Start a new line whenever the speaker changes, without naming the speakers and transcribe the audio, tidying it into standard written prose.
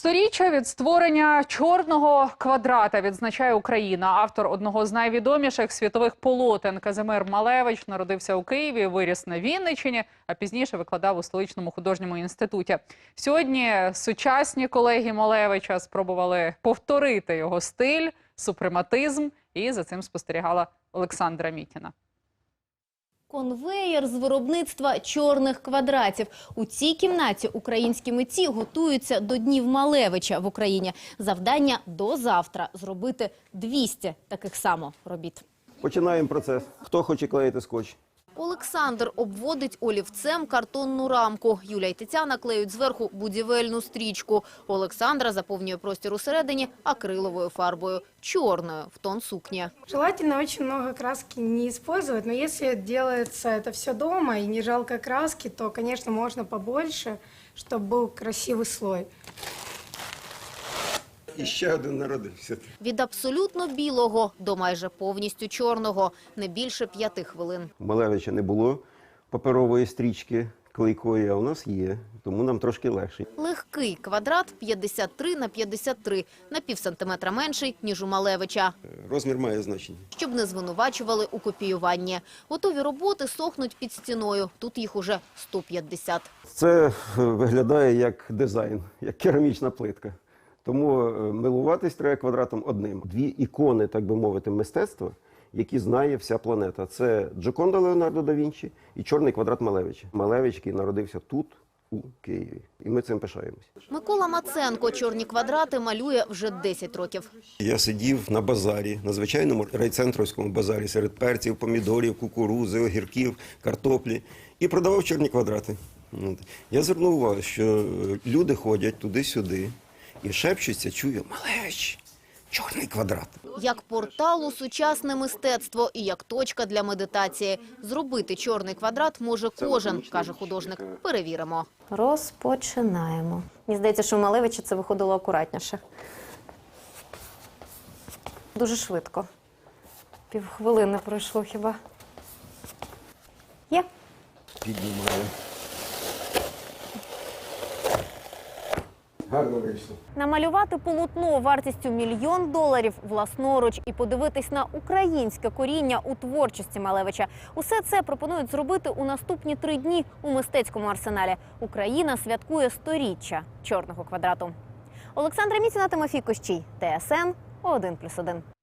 Сторіччя від створення чорного квадрата відзначає Україна. Автор одного з найвідоміших світових полотен Казимир Малевич народився у Києві, виріс на Вінниччині, а пізніше викладав у столичному художньому інституті. Сьогодні сучасні колеги Малевича спробували повторити його стиль, супрематизм, і за цим спостерігала Олександра Мітіна.
Конвеєр з виробництва чорних квадратів. У цій кімнаті українські митці готуються до Днів Малевича в Україні. Завдання до завтра – зробити 200 таких само робіт.
Починаємо процес. Хто хоче клеїти скотч?
Олександр обводить олівцем картонну рамку. Юля і Тетяна клеють зверху будівельну стрічку. Олександра заповнює простір усередині акриловою фарбою, чорною, в тон сукні.
Желательно очень много краски не использовать, но если делается это все дома и не жалко краски, то, конечно, можно побольше, чтобы был красивый слой.
І ще один народився.
Від абсолютно білого до майже повністю чорного. Не більше 5 хвилин.
У Малевича не було паперової стрічки клейкої, а у нас є, тому нам трошки легше.
Легкий квадрат 53 на 53, на пів сантиметра менший, ніж у Малевича.
Розмір має значення.
Щоб не звинувачували у копіюванні. Готові роботи сохнуть під стіною. Тут їх уже 150.
Це виглядає як дизайн, як керамічна плитка. Тому милуватись треба квадратом одним. Дві ікони, так би мовити, мистецтва, які знає вся планета. Це Джоконда Леонардо да Вінчі і чорний квадрат Малевича. Малевич, який народився тут, у Києві. І ми цим пишаємось.
Микола Маценко чорні квадрати малює вже 10 років.
Я сидів на базарі, на звичайному райцентровському базарі, серед перців, помідорів, кукурузи, огірків, картоплі і продавав чорні квадрати. Я звернув увагу, що люди ходять туди-сюди і шепчуться, чую: Малевич, чорний квадрат.
Як портал у сучасне мистецтво і як точка для медитації. Зробити чорний квадрат може кожен, каже художник. Перевіримо. Розпочинаємо. Мені здається, що у Малевича це виходило акуратніше. Дуже швидко. Півхвилини пройшло хіба. Є.
Піднімаю. Гарно вийшло.
Намалювати полотно вартістю $1 мільйон власноруч і подивитись на українське коріння у творчості Малевича. Усе це пропонують зробити у наступні 3 дні у мистецькому арсеналі. Україна святкує 100-річчя чорного квадрату. Олександра Мітіна, Тимофій Кощій, ТСН 1+1.